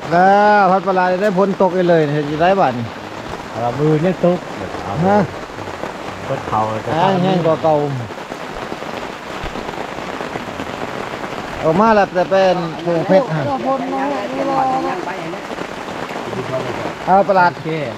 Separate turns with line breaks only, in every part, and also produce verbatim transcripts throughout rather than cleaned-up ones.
แล้วพัดปลาได้พ้นตกไปเลยเห็นได้บ้าน
เรามือเนี่ยตุ๊กฮะก็เขาจะ
แห้งกว่าเก่าออกมาแล้วแต่เป็นผงเพชรฮะเอาปลา
แค่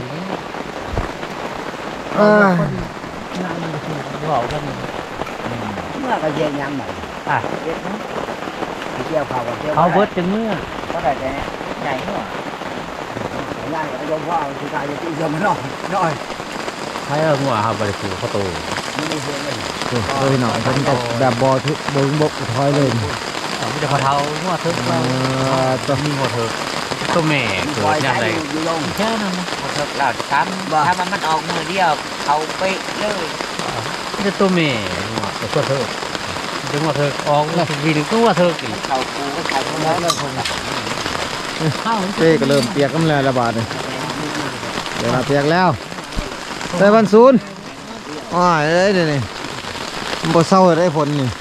เออ
บอกกัน
เมื่อก็เย็นยำหน่อย
อ่ะ
เย็นนะเกี่ยวเขาเกี่ยว
เขาเบิดจังเมื่อ
ก็ได้แต่ใหญ่เนาะใหญ่เอายมพ่อสุดท้ายจะตีเยอะมาหน่อยหน่อย
ใช้เอาหัวครับบริสุทธิ์เขาโต
ไม่ได้เห็นเลย
เลยหน่อยฉันก็แบบบอทุบงบกถอยเลย
ไม่ได้พอเท้าหัวเถิก
จะ
มีหัวเถิกตัวแม่เกิดยังไงแค่นั้นนะ
หัวเถิกเราทำถ้ามันมันออกมือเดียวเขาไปเลย
นี่ตัวแม่หัวตัวเถิกดึงหัวเถิกออกวีนึงตัวเถิกอีก
เขาปูก็ใช้แล้วแล้วคง
เต้ก็เริ่มเปียกกันแล้วระบาดเลยเดี๋ยวเปียกแล้วใส่บันซูนอ๋อเอ้ยนี่นี่มันบ่เศร้าได้ผลนี่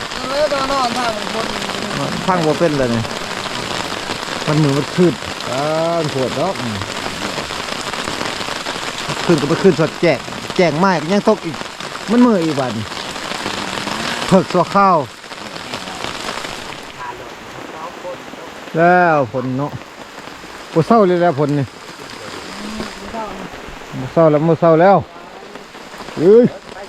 พังบ่เป็นเลยนี่มันมือมันขึ้นอ่าปวดแล้วขึ้นก็ไปขึ้นสดแจกแจกไม้ยังตกอีกมันมืออีกวันเพิกตัวข้าวแล้วผลเนาะบ่เศร้าเลยแล้วผลนี่บ่เศร้าแล้วบ่เศร้าแล้วเอ้ย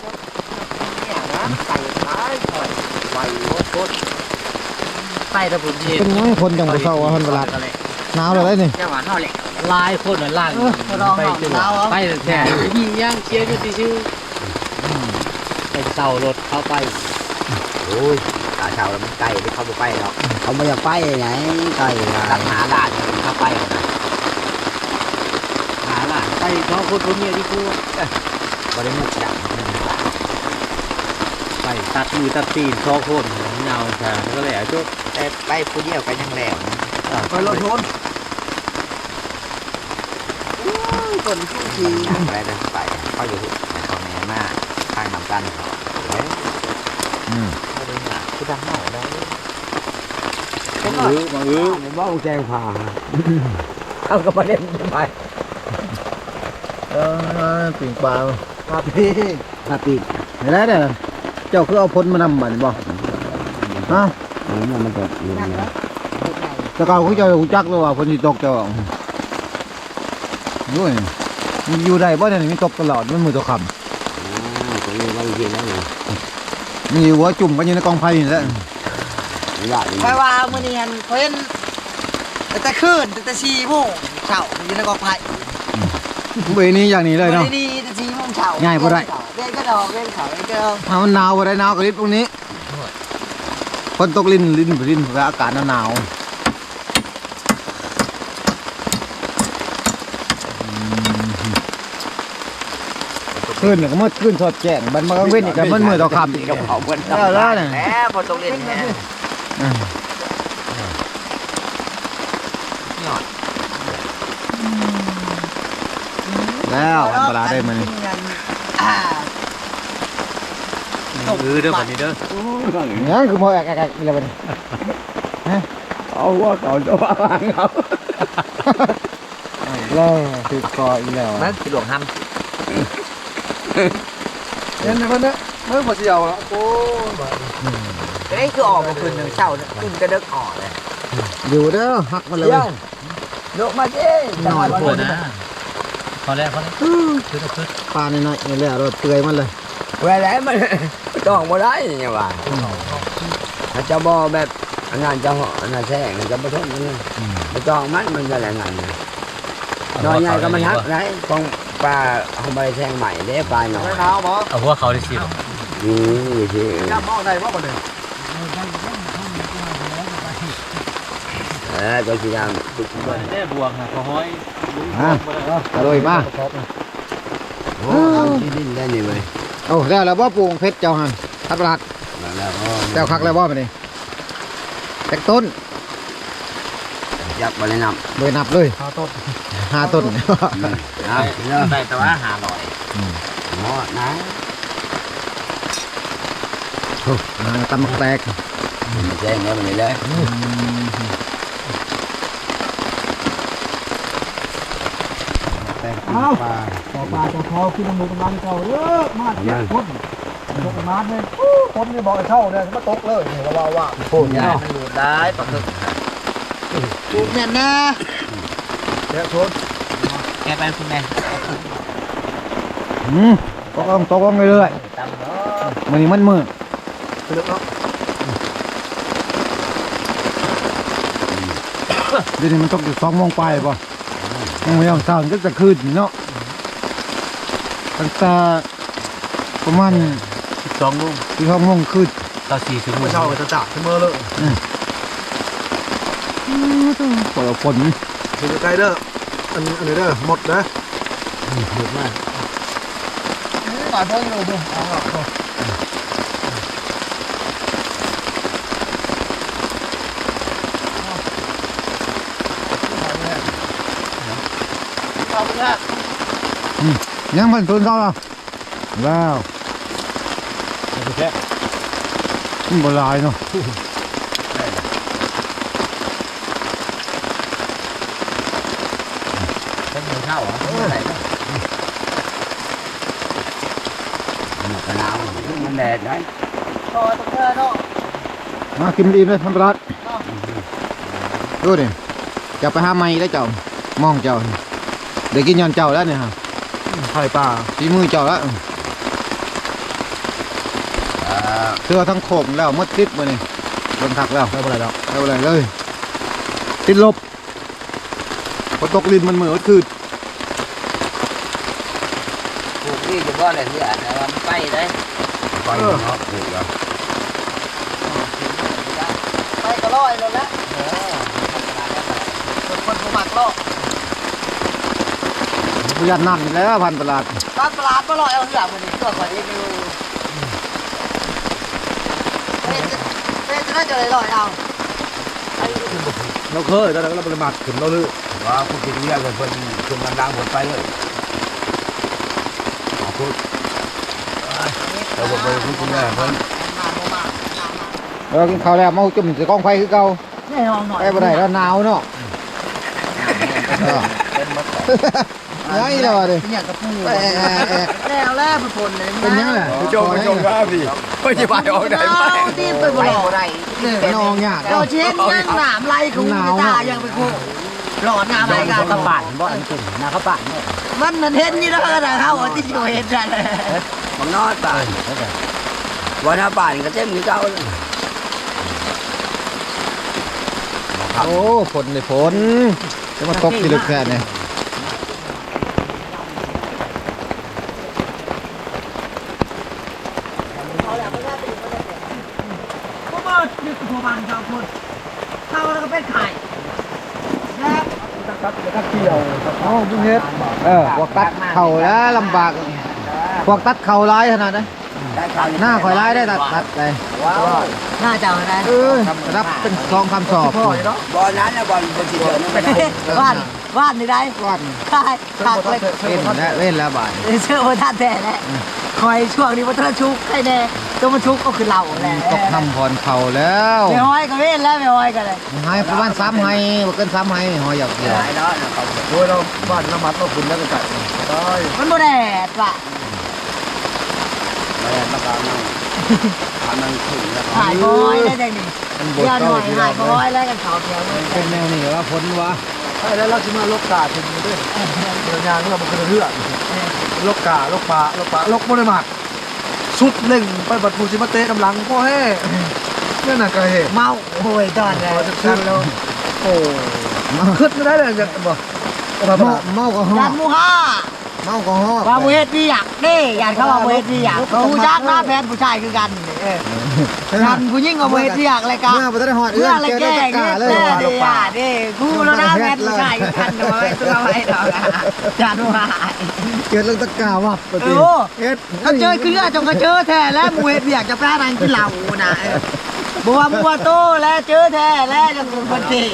ใส่ตะปุ่นเย็น
เป็นน้อยคนจังบ่เศร้าว่าคนตลาดหนาวเลยนี่
จังหวะนอแหละ
ลายคนเหมือนล่างไปจนไปแต่ยิ่งย่างเชียร์อยู่ที่ชื่อไปเต่ารถเข้าไป
โอ้ยตาเช้าแล้วมันไก่ที่เขาไปแล้วเขาไม่อยากไปไหนไก่ตักหาหลานเข้าไป
หาหลานไปเขาคนคนเมียที่กู
บริมุกจับ
ไปตัดมือตัดตีนท้อคนเงาใช่ก็เลยอ่ะจุ๊บ
แต่ไปผู้เดียวกันยังแหลม
ไปรถชน
คนผู้ชีไปเดินไปเขาอยู่เขาแม่มากข้างนำกันเฮ้ยอืมเขาดูหนักคือดังหน่อยได้
มาอื้อมาอื้อมันบ้าแจงผ่า
เขาก็ประเด็นไป
เออปิ่งปลา
ปลาปีปลาปี
เห็นแล้วเนี่ยเจ้าคือเอาพ้นมานำบันบ่ฮะ
นี่มันจะอยู่นะ
แต่เขาคือเจ้าหูจักเลยว่าพ้นที่ตกเจ้าด้วยมันอยู่ได้บ่เนี่ยมันตกตลอดมันมือตัวค
ำตรงนี้ว่าจริงแล้วนี่
มีหัวจุ่มกันอยู่ในกองไฟนี่แหละ
ไปว่ามื่อนี้เพิ่นแต่คืนแต่สี่โมงเช้าอยู่ในกองไฟ
เวนี้อย่างนี้เลยเนาะ
นี่แต่สี่โมงเช้า
ง่ายพอได้
เล่นก็ดอกเล่นเขาเล่นก็
ถ้ามันหนาวพอได้หนาวกระดิบตรงนี้คนตกลิ้นลิ้นลิ้นแล้วอากาศหนาวขึ้นเนี่ยก็มืดขึ้นสดแจ้งบันมากเว้นอีกกันมันมือต่อคำอีกกับ
เขาเว้น
แล้วเนี่ย
แล้วพอตกเล่นเนี่ย
แล้วอันตรายได้มั้ย
เออเด้อวันนี้เด้อ
เนี่ยคือมอแอกแอกอะไรบ้าง
เอาว่าเขาจะว่าเขา
แล้วติดคออีแล้ว
มันคือหลวงฮัม
เห็นไหมคนนี้เมื่อพอเจียวแล้วโอ้
ไอ้คือออกมาคืนหนึ่งเช้าเนี่ยคืนก็เดิกออกเลย
อยู่เด้อหักมาเลย
โดดมาเจ้
นอนปวดนะพอแล้วพอแล้วคือคือ
ปลาในน้อยนี่แหละเราเตยมันเลย
เวลามันจ้องมาได้ยังไงถ้าจะบอแบบงานจะห่องานแท้งานจะมาทนมันมาจ้องมันมันจะแรงงานน้อยใหญ่ก็มันหักได้ฟองปลาเอาไปแทงใหม่เด้ปลาหน่อย
เอาหัวเขาได้สิ
นี่สิ
ย่ามองได้ว่าบ่เลย
เออก็สิย่าม
ตุกบ่ได้บวงค่ะพอห้อย
อ่ะอร่อยมาก
โอ้ที่ดินได้นี่เว้ย
โอ้แล้วแล้วบ่ปลูกเพชรเจ้าหันทัดประหลัดเจ้าคักแล้วบ่มาดิแตกต้น
ยักษ์บริณับ
โดยนับเลย
ห้าต้น
ห้าต้น
ได้แต่ว่าหาลอยหมดนะ
โอ้ตำแตก
แจ้งแล้วมันเลย
เอ้าปลาต่อปลาต่อคอขึ้นน้ำมูกน้ำมันเก่าเด้อมาเจ็บคนตกมาเลยคนนี่บอกให้เข้าเนี่ยมาตกเลยนี่ว่าว่าโคตร
ยาย
เนาะ
มันอยู่ได้ปะคือ
ปลูกเนี่ยนะ
เดี๋ยวชน
แกไปคุณแม่
อืมตกลงตกลงเรื่อย
ตำเนาะ
ๆมันนี่มันมืด
เลือกเนาะ
เดี๋ยวนี้มันตกอยู่สองโมงไปป่ะยังไม่ยอมเช้าก็จะคืนเนาะตั้งแต่ประมาณ
สองโมง
ที่สองโมงคืน
ต่อสี่ชั่วโม
ไม่
ง
เช่าจะจับขึ้นมือเลย
ปล่อยฝน
คือใกล้เด้ออันอันนี้เด้อหมดนะ
หยุดมาก
ปลาเพิ่งเลยดูเอาเอา
ยังมันตุนเท่าไหร่ว้าว
แค่
มันบลายเนาะ
เป็นมือเข้าเหรออะไรเนาะ
กระนาวมันแดดได้
พอตรงเธอเนาะ
มากินดีเลยทำปลาดูดิจะไปหาไม้แล้วเจ้ามองเจ้าเดี๋ยวกินย้อนเจ้าแล้วเนี่ยฮะ
ไข่ปลา
ฝีมือเจ้าแล้วเสื้อทั้งโขมแล้วมดติดมาเนี่ยโดนถักแล้ว
ไม่เป็นไรแล้ว
ไม่เป็นไรเลยติดลบพอตกลินมันเหมือนคืด
ปลูกนี่จะว่าอะไรที่อ่านว่ามันไปได้
ไปเนาะถูกแล้ว
ไปก็ร้อยเลยละคนคนสมัครโลก
ประหยัดน้ำอยู่แล้วพันตลาด
ตอนตลาดก็ร้อยเอาเหือกมันนี่ตัวก่อนเองอยู่เฮ้ยเฮ้ยจะได้จะเลยร้อยเอา
เราเคยแต่เราปริมาณขึ้นเราเลย
ว่าผู้กินเรียกเลยเพิ่นขึ้นมันดังหมดไปเลยขอบคุณเราบอกไปคุณคุณแม่เพิ่น
เรากินข้าวแล้วเมาจุ่มจะกองไฟคือเก่า
แน่นอนหน่อย
ไปบ่ได้แล้วหนาวเนาะยังอีกแล้วดิ
เนี่ยกระปู
แอะแอะแอะ
แล้วแล้วผลเลย
เป็นยังไง
โจมโจมว่าพี่ไม่จะไปออกไหน
เอาที่ไปบ่ได้
นองยาก
เราเช่นนั่งหนามไล่ของตายังไปคู่หลอนงามอะไรกันข้าวป่านบ่อันเป็นนาข้าวป่านเนี่ยมันมันเห็นนี่แล้วนะเขาที่อยู่เห็นกันเลย
มันนอนป่านวันหน้าป่านก็เต็มอยู่เก่าเลย
โอ้ฝนเลยฝนจะมาตกที่ลึกแค่เนี่ย
พวกมันยึดหัวมันชาวคนเข้าแล้วก็เป็นไข่แล้ว
เอ้าพุ่งเฮ็ดเออพวกตัดเข่าแล้วลำบากพวกตัดเข่าร้ายขนาดนั้นหน้าข่อยร้ายได้ตัดตัดเลย
น่าจะอะไร
เออรับเป็นซองคำสอบ
บอลนั้นนะบอลบอลที่เดินนั่นเป็น
ว่านว่านนี่ได้
วัน
ใช่ถักเลย
เว้นแล้วเว้นแล้วบ่าย
เชื่อว่าท่านแท้แหละคอยช่วงนี้วัฒนชุกให้แน่ตัวมันชุกก็คือเราแหละ
ตกทำพรเข่าแล้ว
ไม่ห้อยก็เว้นแล้วไม่ห้อยกันเลย
ให้ประมาณสามให้บ่เกินสามให้หอยหยอกเดียว
หลายเนาะ
โดยเราบ้านน้ำมัดเราขึ้นแล้วก็ไก่ได้
มันโมแดดว่ะ
แม่มาการนั่งทำนั่งขึ้นแล้ว
หายบอยได้จังนี่
มันบด
เดี๋ยวห
เก้า
น่อย
ที่
หา
เรา
ยบอยแล้วกันเขาเดียวเลย
เป็นแนวนี้ว่าพ้นวะ
ใช่แล้วเราจะมาลกกาถึงด้วยเดินยางเราเป็นเรื่องลกกาลกปลาลกปลาลกบริมาตรสุดเล่งไปบัดฟูซิมาเตะกำลังพ่อแห่เนี่ยน่ะกระเหตุ
เมาโวยตอนเลยกันลง
โอ้ขึ้นไม่ได้เลยจะบอก
เมาเมาก็ฮอ
ยันมูฮ่า
เมาก็ฮอ
ว่ามูเฮ็ดพี่อยากนี่ยันเขาว่ามูเฮ็ดพี่อยากผู้จักหน้าแฟนผู้ชายคือกันเออยันผู้หญิงกับมูเฮ็ดพี่อยากอะไรกัน
เมื่อไปได้หอด
เพื่
เอื้
อ
อน
อะไร
เจอ
แก้
ได้ตะ
เงี้
กาย เลย
เด้ออ่ะเด้กูแล้วนะแฟนผู้ชายคือกันเอาไว้ตัวไว้ดอกจันว่า
เกิดเรื่องตะกาวับป
เอ
ฏิ
อ
เอ็ด
เขาเจอคือจงเขาเจอแท้แล้วมูเฮ็ดพี่อยากจะแปลนางกินเหล้านะบัวบัวโตแล้วเจอแท้แล้วจะเป็นคนดี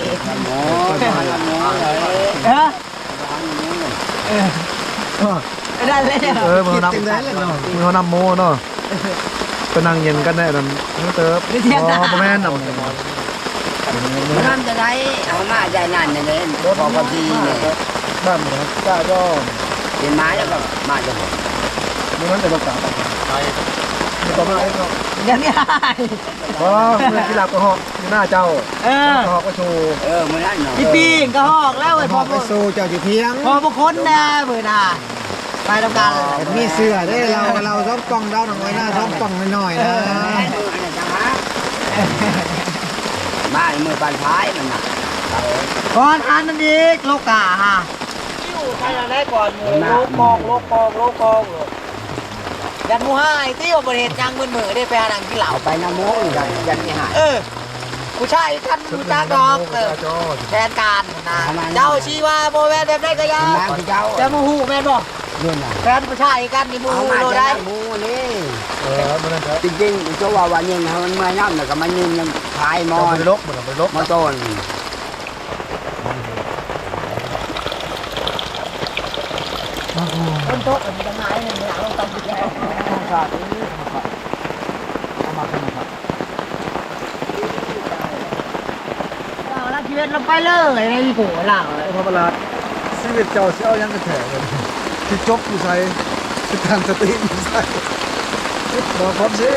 เออเออได้เลย
เออมือนำมือนำโมเนาะเป็นนางเย็นกันแน่นั่นนี่เติบอ๋อแม่นำ
นั่นจะได้เอามาใจนั่นเนี่ยพอพอทีเนี่ย
บ้านเหมือนก้าย่อ
เห็นไม้แล้วก็มาจะหมด
เมื่อนั้นแต่ภาษาไทยต่อมาไอ้ก็
อย่างนี้
เพราะเมื่อกีฬากระหอกอยู่หน้าเจ้า
เออก
ระหอกก็โชว์
เออมื้อนั้นเนาะ
พี่ปีงก็หอกแล้วไอ้
พ
พ
อ
อ
ไปสู้เจ้าอยู่เที่ยง
พอพวกคนนะเบื่อหน่าไปทำการ
มีเสื้อได้เราเราซ้อมกล้องเราหน่อยหน้าซ้อมกล้องหน่อยนะ
มามือปานท้ายมันน่ะ
ก่อนอันนั้นอีกโลกาฮะใครอะไรก่อนโลกองโลกองโลกองยันมูห้าไอ้ที่ว่าบริเหตุจังมือมือได้ไปหาหนังกินเหล้า
เอาไปน้ำโม้ยันยันไม่หาย
เออผู้ชายท่านผู้จ้าดอกเออแทนการนะเจ้าชีว่าโบแวนแบบได้ก็ยา
น้ำที่เจ้า
จะมูหูแม่นบอก
เรื่องน่ะ
แฟนผู้ชายกันนี่มู
เอา
หู
มา
โล
จะ
ได้
ได้หมูนี่
เออเมื่อนั้นครับ
จริงๆตัวว่าวันนี้นะมันเมื่อยน้ำแล้วก็มันยืนยังพายมอ
ไป
น
ลกเหมือนไปลก
มอต้น
ต้นโต๊ะมันจะหายหนึ่งหลังลงตามติดแล้ว
ขาดนี่ขาดเอามาขึ้นมาครับ
เราละชีวิตเราไปเลยในหัวเรา
พระประหลาดชีวิตเจ้าเสี้ยวยังกระแถเลยที่จบอยู่ใส่ที่ทางสติอยู่ใส่บอกพร้อมสิ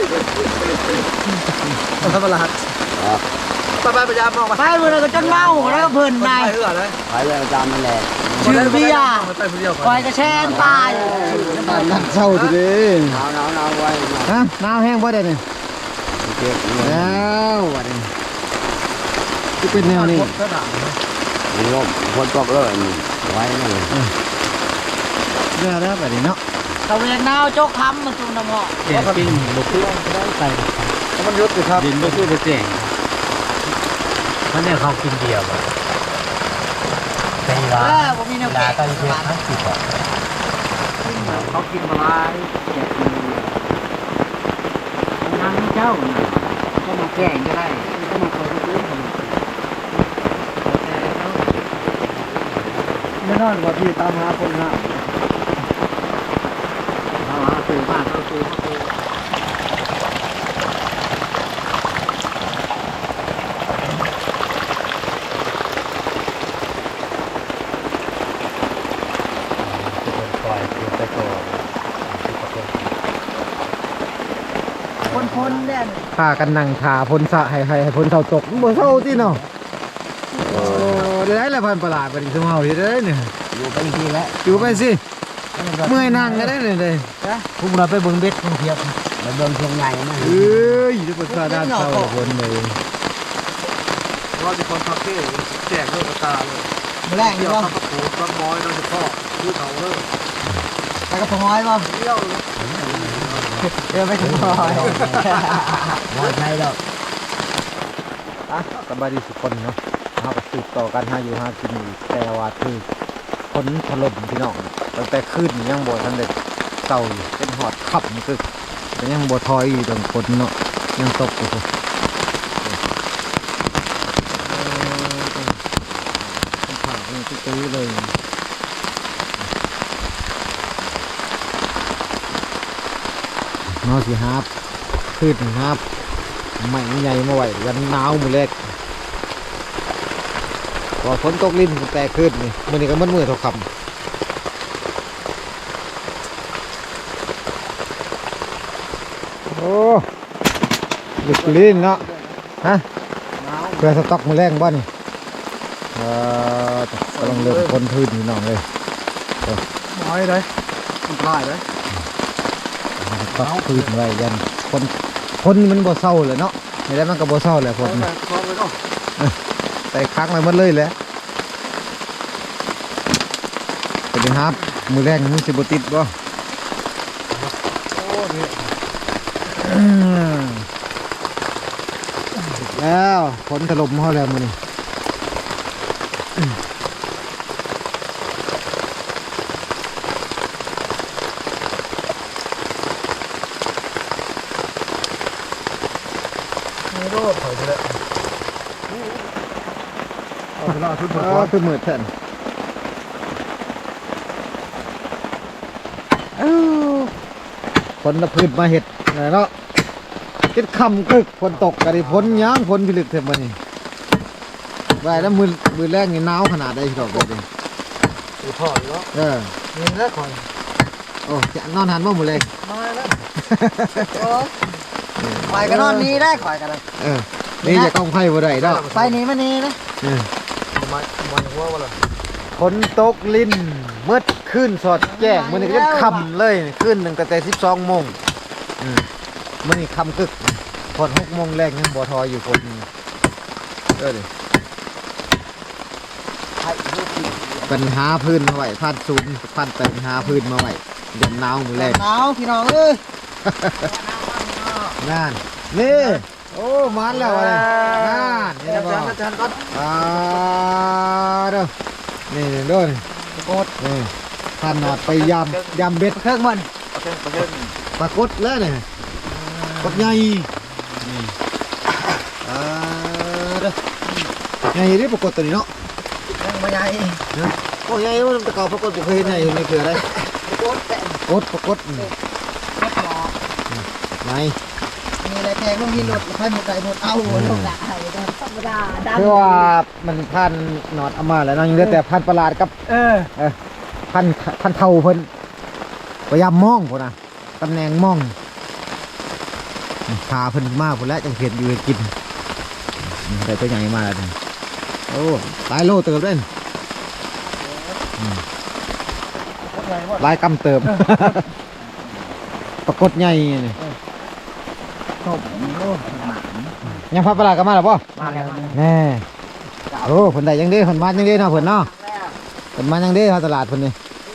พระประหลาดไปไปพยายามมองมา
ไปเมื่อไรก็จนเมาแล้วก็เพลิน
ไป
นาย
เหือเลย
ไปเลยตามมันแหละ
ชื่อพี่ยา
ไปคนเดียว
คอยกระแชนตาย
นักเศร้าทีเดียว
หนาวหนาวหนาวไว้
ฮะน้ำแห้งบ่ได้เนี่ย
เก็บ
แล้ววันนี้ที่เป็นแนวนี้
ก็หนาว
ลมคนตกเลยไว้นั่นเลย
เรื่องแล้วแบบนี้เนาะ
ตะเวนนาวโจกคำมาจุ่มน้ำหอม
แก่ปิ้งบุกเครื่องได้ไปมันยุติครับ
ดินไม่สู้ไปเจ๋งเพราะเนี่ยเขากินเดียวอะไป
เอ
ร้า
อน ผมมีแนว
ลา
เก่ง
ก็เยอะทั้งสิบอ่ะ
เขากินมาลายนางเจ้าก็มาแก่งก็ได้ก็มาคอยซื้อ
ไม่นอนว่าพี่ตามหาคนหา
เอาหาซื้อมาเอาซื้อมาซื้อ
เป็นคอยเป็นไปก่อน
คนคนเนี่ย
พากันนั่งทาพ้นสะให้ให้ให้พ้นเท่าตกบ่เท่าที่เนาะโอ้ได้ได้แล้วพันประหลาดไปดิสมเฮาที่ได้เนี่ย
อยู่ไปทีแล้ว
อยู่ไปสิเมื่อยนั่งก็ได้เลยเลย
พวกเราไปเบิ่งเบ็ดท่องเที่ยว
มาเบิ่งช่วงใหญ่นะ
เอ้ยทุกคนซาด้านเศร้าคนเลย
ว่าจะคนคาเฟ่แจกเลิกตาเลย
มาแรง
เที่
นี่
ยว
ป่ะ
ข้าวโพดต้นม้อยโดยเฉพาะที่เขาเลิก
ไปกับพงอ้อยป่ะ
เที่ยว
เดี๋ยวไปถึงพงอ้อย
มอใช่ดอก
อ่ะสบายดีสุกคนเนาะเฮาก็สืบต่อกันหาอยู่หากินอีกแต่ว่าคือคนถล่มพี่น้องตั้งแต่คืนยังบ่ทันได้เศร้าอยู่เป็นหอดขับนี่คือแต่ยังบ่ถอยอยู่ตรงคนเนาะยังตกอยู่พุ่นผ่าเป็นตื้อเลยเนาะสิครับคืนครับไม่ใหญ่มาไหวยันหนาวมือแรกพอฝนตกลิ้นแต่ขึ้นนี่มือนี้ก็มันมือเท่าคำโอ้ดึกลิ้นเนาะฮะเพื่อสต็อกมือแรงบ้านี่เออกำลังเริ่มคนพื้นนี่น้องเลย
ม้อยเลยมันพลายเลย
สต็อกพื้นไว้ยันคนคนนี่มันบ่เศร้าเลยเนาะไม่ได้มันก็บ่เศร้าแหละคน
แม่คล้องเลยเนาะ
ใส่ค้างไว้หมดเลยแหละสวัสดีครับ มือแรกมือสิบติดบ่
โอ้นี่
อืมแล้วฝนถล่มเขาแล้วมือนี่
มีโรคถอยไปเลยเอาเวลาทุกคน
อ๋อคือมือแทนอ้าวฝนละพืชมาเห็ดนะเนาะคิดคำกึกฝนตกกันดิฝนย่างฝนพิลึกเท่ามันนี่ไว้แล้วมือมือแรกนี่หนาวขนาดใดดอกเลย
ดูพ่อเนาะ
เออ
นี่แหละคอย
โอ้จะนอนหันบ่หมดเลย
มาแล้ว
ข่อยก็นอนนี้ได้ข่อยกันเลย
เออนี่จะกองไผ่บ่ได้ดอก
ไปนี้มานี่นะ
เออ
มามันหัวว่าล่ะ
ฝนตกลิ้นมืดขึ้นสอดแจ้งมื้อนี้ก็ค่ำเลยขึ้นหนึ่งก็แต่สิบสองโมงอืมมื้อนี้ค่ำกึกพอดหกโมงแรกยังบ่ทออยู่ฝนเออดิปัญหาพื้นมาไว้พันศูนย์พันปัญหาพื้นมาไว้ยันหนาวมื้อแรก
หนาวพี่น้องเอ้ย
นั่นนี่โอ้มันแล้วอะไรนั่นนี่นะบ
อา
อก
จารย์ก่อน
อ่าเด้อนี่นี่เด้อนี่โคตรนี่ท่านนอดไปยำยำเบ็ด
เครื่องมัน
ประเทศประเทศ
ปลากดแล้วนี่กดใหญ่นี่อ่าเด้อใหญ่ดิปลากดตัวนี้เนาะ
เครื่องมันใหญ่
โอ้ใหญ่ว่ามันตะเกาปลากดบ่เคยเห็นใหญ่อยู่ในเกลือได้
โคตรแต่
กดปลากดนี่
ไม่พอ
ไหน
มีอะไรแพงลูกมีรถไฟหมดใจหมดเอาลูกด่าธรรมดาดา
คือว่ามันพันนอดเอามาแล้วเนาะยังเหลือแต่พันประหลาดกับ
เออ
เออพันพันเท่าเพิ่นพยายามมองพุ่นนะตำแหน่งมองพาเพิ่นมากพุ่นแล้วจังเห็นอยู่ให้กินอืมแต่ตัวใหญ่มากเลยโอ้หลายโลเติบเล่นอืมหลายกำเติบ ปรากฏใหญ่นี่
ตบโลก
ยังพันประหลาดกันมาหรอป่
มาแล้ว
แน่โอ้เพิ่นได้ยังเด้เพิ่นมายังเด้เนาะเพิ่นเนาะเพิ่นมายังเด้เฮาตลาดเพิ่นนี่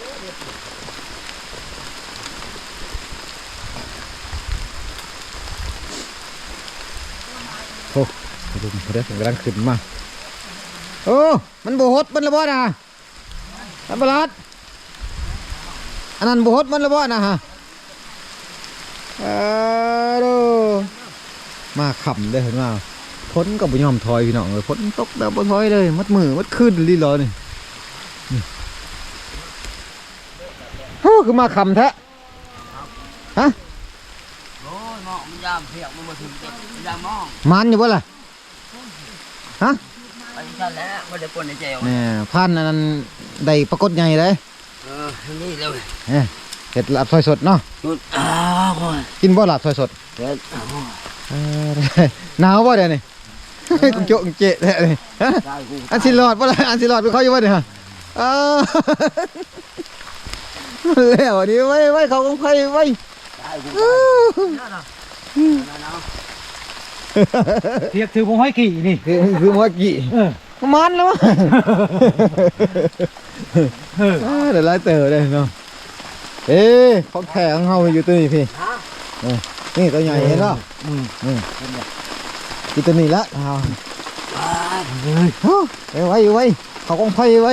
โอ้ดูมันเด้อกำลังขึ้นมา โอ้ มันโบหดมันระบอนะอันบลัดอันนั้นโบหดมันระบอนะฮะเออดูมาขำเลยเห็นว่าพ้นกับบุญยอมถอยพี่น้องเลยพ้นตกแบบบุถอยเลยมัดมือมัดขึ้นลีลอนี่นี่โอ้คือมาขำแท้ฮะ
โอ้ยมองมันยามเพียกมันมาถึงเด็กยามมอง
มันอยู่บ่ล่ะฮะ
ไปชั้นแล้วไม่ได้ปนในเจล
เนี่ยพันอันนั้นได้ปรากฏใหญ่เลย
เออนี่เลย
เอ้ยเห็ดลาบซอยสดเนาะ
นุดอ้าวคน
กินบ่ลาบซอยสด
เด็ดอ้าว
เออหนาวบ่เดี๋ยวนี้ กุโจะกุเจะแท้เลยฮะ
ได้กู
อันสิรอดบ่ล่ะอันสิรอดไปเขาอยู่บ่เนี่ยฮะเออ แล้วอันนี้ไว้ไว้เขาของใครไว้
ได้กู
อื้อ
เทียบถือผมห้อยกี่นี่
คือคือเมื่อกี้
เออ
มันแล้ววะเออเดี๋ยวไล่เต๋อเลยเนาะเอ๊ะของแข็งเฮาอยู่ตัวนี้พี่เออนี่ตัวใหญ่เห็นป่ะอืมอืมกินตัวนี้ละเอาเฮ้ยไว้ไว้เขากองไฟไว้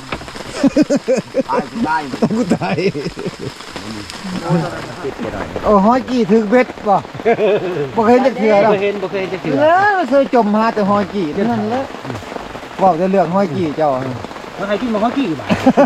ได้กูได้
ต้องกูตายโอ้ห้อยกี่ถึงเบ็ดป่ะบ่เคยเห็นจักเทื่อหรอก
บ่เคยเห็นบ่เคยเห็นจะเถื่อ
เออเคยจมหาแต่ห้อยกี่เท่านั้นแหละบอกแต่เรื่องห้อยกี่เจ้า
แล้วใครกินบ่ห้อยกี่บ่า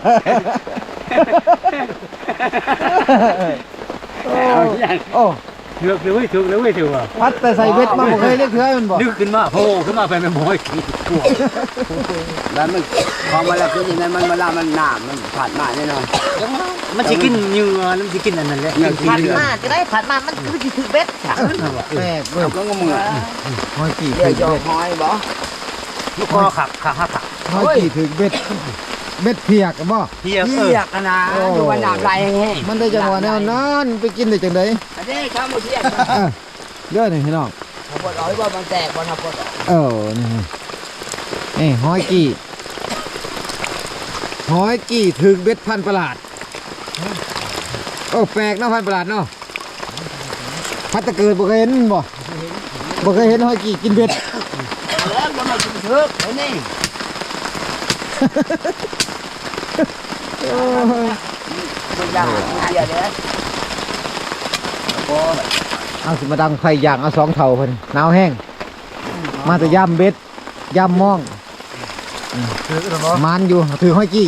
โอ้โอ้
ถือกเลยเว้ยถือกเลยเว้ยถือว่า
พัดแต่ใส่เบ็ดมาบ่เคยเรียกเทื่อมันบ่
ดึกขึ้นมาโผล่ขึ้นมาไปเป็นห้อยกี่
แล้วมันพอมาแล้วคือยังไงมันเวลามันหนามมันผ่านมาแน่นอน
มันสิกินเหงื่อแล้วมันสิกินอันนั้นแหละ
ผัดมาจะได้ผัดมามันคือถือเบ็ด
แปลกเว้ย
ก็งงอ่ะ
ห้อยกี่
เดี๋
ถึ
ยว
ง
จะ
เบ็ด
หอยบ่
ลูกคอขับขาหักขับ
ห้อยกี่ถึงเบ็ดเบ็ดเพียกอะบ่
เทียบเอ
เพี
อย
กนะดูว่าหนามลายแห้ง
มันได้จังหวะแนวนั้นไปกินได้จังได๋
อันนี้ข้าวมือเทียก
เออเด้อนี่พี่น้อง
เขาบอกร้อยว่ามันแตกวันทับปด
เออนี่นี่ห้อยกี่ห้อยกี่ถึงเบ็ดพันประหลาดโอ้แปลกเนาะพันประหลาดเนาะพัดตะเกิดบ่เคยเห็นบ่บ่เคยเห็นห้อยกี่กินเบ็ด
แล้วมันมาถึงเถือกเห็นนี่
โอ้ย
มันยากเดียวเด้อโอ้
เอาสิมาดังไฟอย่างเอาสองเท่าเพิ่นหนาวแห้งมาแต่ย่ำเบ็ดย่ำมอง
ถือกันเนาะ
มันอยู่ถือห้อยกี้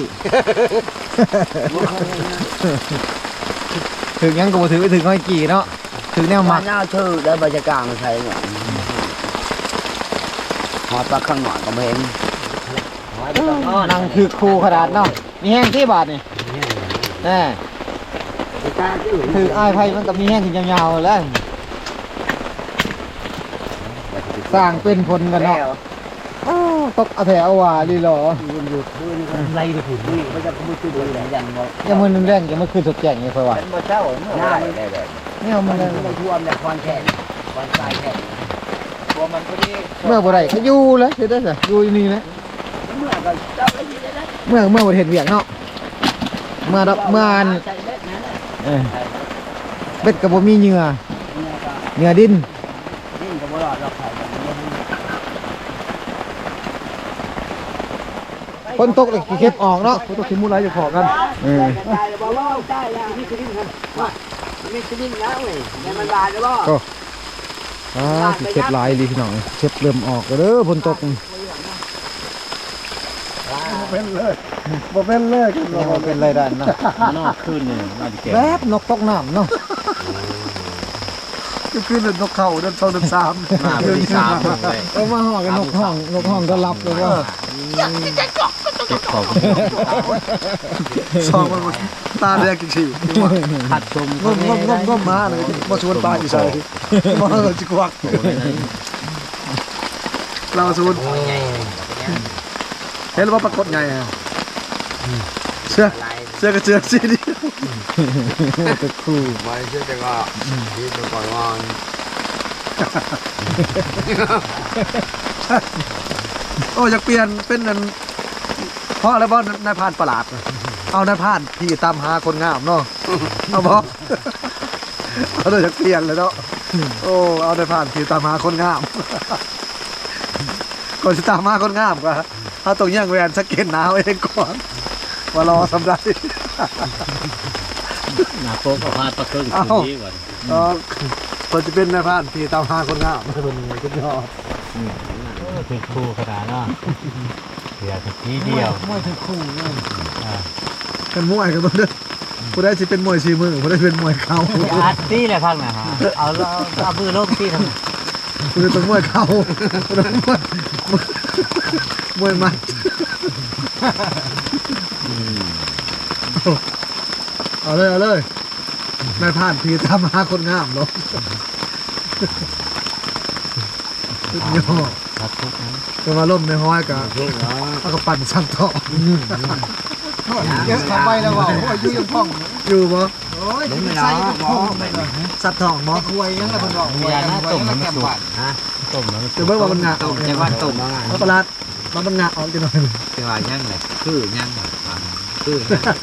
ถือยังก็บ่ถือไปถือห้อยกี้เนาะถือแนวห
มา
มัก
หน้าชื่อได้บรรยากาศมันใช่เนี่ยหอดปลาข้างหน่อยก็ไม่เห็นหอ
นั่งคือครูขนาดเนาะมีแห้งที่บาทนี่แน่ถืออ้ายไผ่มันก็มีแห้งขึ้นยาวๆแล้วสร้างเป็นผลกันเนาะอ้าวตกเอาแถวว่าลีหรอ
ไล่ไปผุนนี่มันจะมือคือเลยยันบ่
ยังมือนึงแรงยังมือคืนสดแจ้งนี่ค่อยว่า
เป็นบ่เจ้าเมื่อ
ได้
วาน
ได้ได้
เนี่ยมัน
มันท่วมเนี่ยคอนแค่คอนทรายแค่
ตัวมันพอดี
เมื่อบ่ได้ก็อยู่เลยเฮ็ดได้ซะอยู่นี่นะ
เมื่อก็เจ้าไอ้ที่ได้
เมื่อเมื่อบ่เฮ็ดเวียกเนาะเมื่อดอกเมื่ออัน
ใส่เบ็ดนั่นแหละ
เออเบ็ดก็บ่มีเหงื่อ
เนี่ยก็
เหงื่อดิน
ดิ้นก็บ่รอดหรอกไข่แบบนี้
คนตกเลยขี้เข็บออกเนาะ
ต้องคิดมูไรจะขอกัน
เออ
ได้แล้วบ่รอดได้แล้วนี่คือดิ้นครับว่านี่คือดิ้นแล้วเว้ยเนี่ยมันบาดแล้วบ่
อ่าขี้เข็บหลายดีพี่น้องเข็บเริ่มออกแล้วเด้อฝนตก
เป็นเลยบ่เป็นเลยกัน
ยังบ่เป็นไรด้านเนาะ
นอกขึ้นนี่น่าจะแก่
แวบนกตกน้ำเนาะ
ก็คือเดินนกเข้าเดินสองเดินสาม
มาพอดีสามเลย
เออมาห่อกันนกห้องนกห้องก็รับเลยว่า
เก็บของ
สองมันตาแดงกี่ฉี่
ผัดชม
งมงมงมงมมาเลยมาชวนปลาอยู่ใส่มาเราจะกวักเราชวนเห็นว่าปรากฏไงอ่ะเชื่อเชื่อก็เชื่อสิดิ
ก็คู่
ไว้เชื่อจะก็ดิ้นไปก่อนว่า
โอ้อยากเปลี่ยนเป็นนั่นเพราะอะไรบ้างนายพานประหลาดเอานายพานที่ตามหาคนงามเนาะเอาบ่เอาเลยอยากเปลี่ยนเลยเนาะโอ้เอานายพานที่ตามหาคนงามก่อนจะตามหาคนงามก็เอาตรงย่างแหวนสเก็ตหนาวเองก่อนมารอสำไร
หน้าโป๊กก็พาดตะเกิงคืนนี้ก่อน
เออคนจะเป็นนายพานที่ตามหาคนงามไม่เป็นไงคุณยอด
คือครูขนาดเนาะเสียสักทีเดียว
มวยคือคู่เลย
เป็นมวยกันตัวเด้อผู้ได้จะเป็นมวยชีมือผู้ได้เป็นมวยเข่า
อาร์ตี้เลยพักนะฮะเอาเอามือลงที่ทำ
ผู้ได้เป็นมวยเข่าผู้ได้มวยมวยมัดเอาเลยเอาเลยนายผ่านพีตามหาคนงามเนาะสุดยอด
ครับทุกนั้น
จะมาล่มในห้อยกับเอากระปั่นช่างทอง
เยอะเข้าไปแล้วว่าโอ้ยอยู่ยังพ่อง
อยู่บ่
โอ้ยใส่เป็นพ่องเลย
สัตว์ทองบ่
ควยยังละเพิ่นบอก
มียาหน้าต้มมันสุกฮะต้มมันสุ
เดี๋ยว
ก
เบิ่งว่ามันงาออก
จะว่าตุ่ม
เอาประหลาดมันมันงาออกจังหน่อย
จะว่ายังไงคือยังไงคือ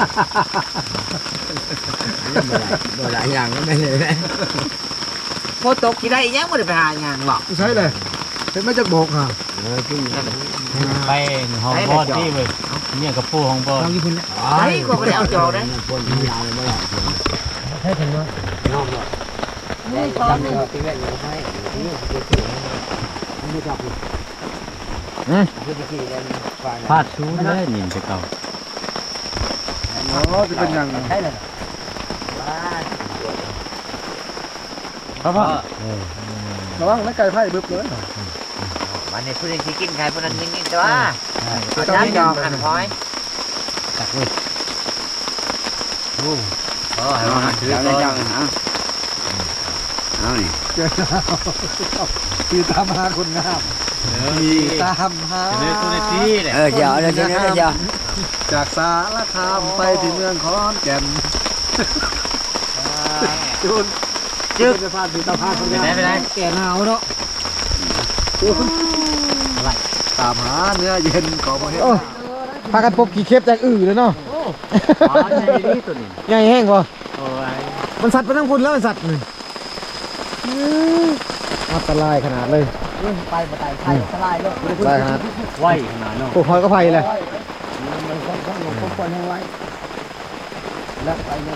บ่หลายอย่างก็ไม่เลย
พอตกกี่ได้ยังไม่ได้ไปหางานหรอก
ใช่เลยเห็นไหมจักโบกค่ะ
ไปห้องบอดที่เว้ยเนี่ยกับผู้ห้องบอด
เราอยู่พุ่น
ไอ้ก็ไม่ได้เอาจอกนะ
คนยาวเลยไม่หรอก
ให้ถึงว่า
น้องหรอกนี่ตอนนี้ตีแรกยังให้นี่คือเกี่ยวไม่จับคือคือที่เล่นฝ่าย
พลาดชูเลยนี่จะเก่า
อ๋อจะเป็นยัง
ใช่เลย
ครับพ่อระวังนักไก่ไพ่บึ้บเลย
วันนี้ผู้ใดที่กินใครผู้นั้นกินแต่ว่าเอาจ้างจอกหันพอย
ตักเลย
โอ้ให้มาถือ
จัง
ก่อน
จังฮะเอานี่
ตีตามหาคนงามตีตามหา
เลยตัวในที่แหละ
เออเดี๋ยวเดี๋ยวเดี๋ยวเดี๋ยว
จากสารคามไปที่เมืองขอนแก่นจูนจึ๊กจะพาตีตามหาคน
ไป
งาม
ไหนไปไหน
แก่หนาวเนาะ
ตามหาเนื้อเย็นของประเทศ
โอ้พากันปบขี้เข็บจากอื่นเลยเนาะ
อ๋อใช่นี่ตัวนี้
ใหญ่แห้งกว่า
โอ้ย
มันสัตว์ไปทั้งพุ่นแล้วมันสัตว์นี่อันตรายขนาดเลย
ไปมาไต่ไข่สลายเลย
อันตรายขนาด
ไหวขนาดเนาะ
โอ้หอยก็ไฟเลย
มันต้องต้องลงคนคนให้ไว้แล้วไปเลย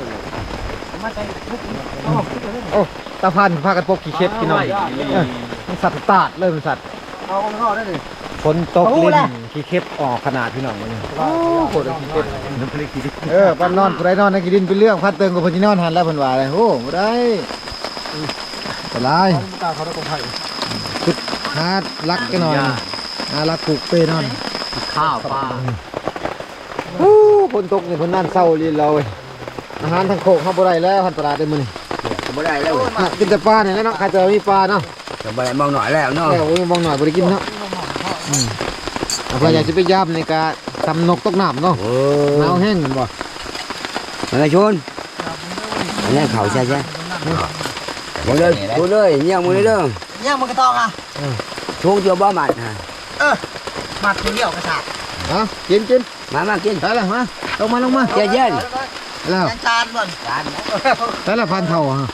โอ้ตาพันพากันปบขี้เข็บพี่น้องเออมันสัตว์ตาดเลยมันสัตว์
เอาคนเข้าได้ดิ
ฝนตกลิ้นขี้เข็บออกขนาดพี่น้องเลยโอ้โหดขี้เข็บเออปั้นนอนผู้ใดนอนในกินดินเป็นเรื่องพัดเติงกับพญนอนหันแล้วเพิ่นว่าเลยโอ้บ่ได้อันตราย
ตาเขาได้กองไผ่
หาลักกันหน่อยหาลักผูกเปนอน
ข
ข้าวปลา
โอ้คนตกนี่คนนั่นเศร้าลีเราเว้ยอาหารทางโคกเขาบ่ได้แล้วหันตลาดได้มื้อนี่
บ่ได้แล้ว
อ่ะกินแต่ปลาเนี่ยแหล้วเนาะใครจะมีปลาเนาะ
จะบ่ได้มองหน่อยแล้วเนาะ
แล้วมองหน่อยบ่ได้กินเนาะอืมเอาเพื่ออยากสิไปย่ำในการทำนกตกน้ำเนาะ
โอ้
หนาวแห้งกันบ่
อะไรชนอันนี้เขาใช่ใช่บ่เลยบ่เลยเงี้ยมือเลยเด้อ
เนี่ยมันก็ต้องอ่ะ
ช่วงเจียวบ่หมัดฮะ
มาทีเดียวกระชาก
เอากินกิน
มามากิน
ได้แล้วมาลงมาลงมา
เย็นเย็น
แล้ว
จานจานบ่นจาน
ได้แล้วพันเท่าฮะ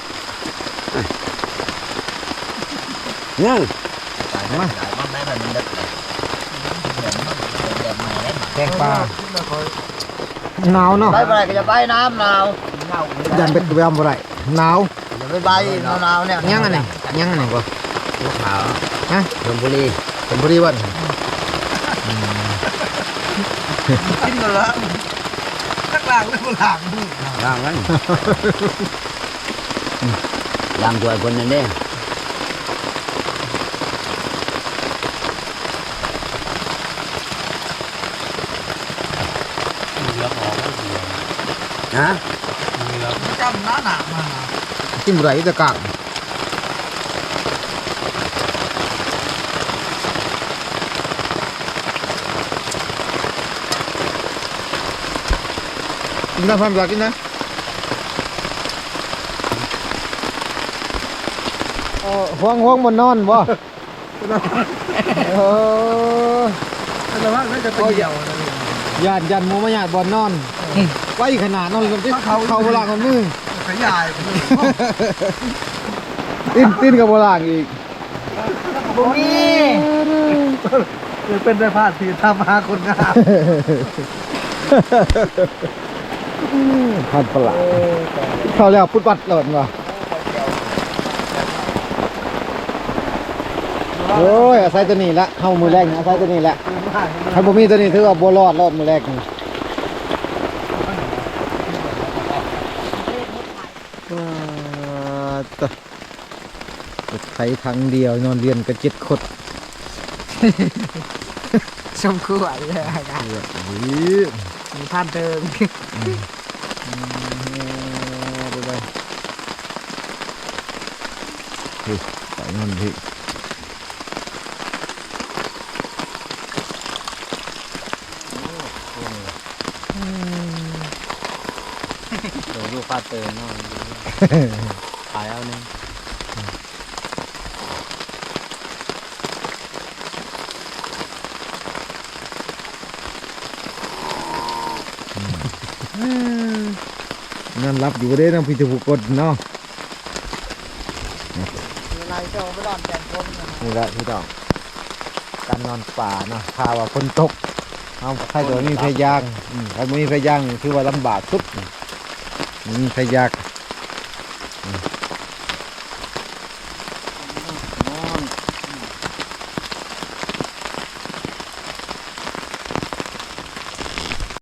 เงี้ย
มามันได้แบบมันเด็ดแบบใหม่ได้
แกงปลาหนาวเนาะ
ไปไปก็จะไปน้ำหนาว
ยันเป็ดกระเบมบ่ได้หนาว
จะไปใบหนาวเนี่ย
ยังอันไหนยังอันไหนบ่
ลูกขาว
ฮะ
ชลบุรี
เป็นพอดีวัน
กินกันละข้างล่างแล้วก็หลัง
ล่างนั้นล่างตัวคนนั้นเด้
เหลือออกไม่เดียว
ฮะ
เหลือ
จำหน้าหนามา
กินบ่ได้อยู่แต่กากกินได้พันอยากกินนะเออห่วงห่วงบนนอนบ่เออ
แต่ว่าน่าจะเป็นเหี่ยวนะนี่
ญาติยันหมูมาญาติบอนนอนไว้ขนาดนอนกันเขาเขาโบราณคนมือ
ขยายไปเลย
ติ้นติ้นกับโบราณอีก
บุมี
เลยเป็นได้พาดทีทำหาคนงาม
พันประหลาดเขาแล้วพุดปัดหล่นว่ะโอ้ยอาศัยตัวนี้ละเข้ามือแรกนะอาศัยตัวนี้แหละถ้าบ่มีตัวนี้ถือว่าบ่รอดรอดมือแรกนี่ว้าตะรถไถทางเดียวนอนเรียนกันเจ็ดคน
สมควรเลยครับมีท่านเติม
ไปไปพี่ไปนอนพี่
เดี๋ยวดูฟาเตอร์เนาะขายเอาหนึ่ง
นั่นรับอยู่บ่ได้น้ำพิจูกดเนาะ
อะไรเจ้าไม่รอดแจกคนนะ
นี่แหละพี่น้องการนอนป่าเนาะถ้าว่าฝนตกเอาใครตัวมีไฟยางอืมใครบ่มีไฟยางนี่คือว่าลำบากสุดนี่มีไฟยางอืม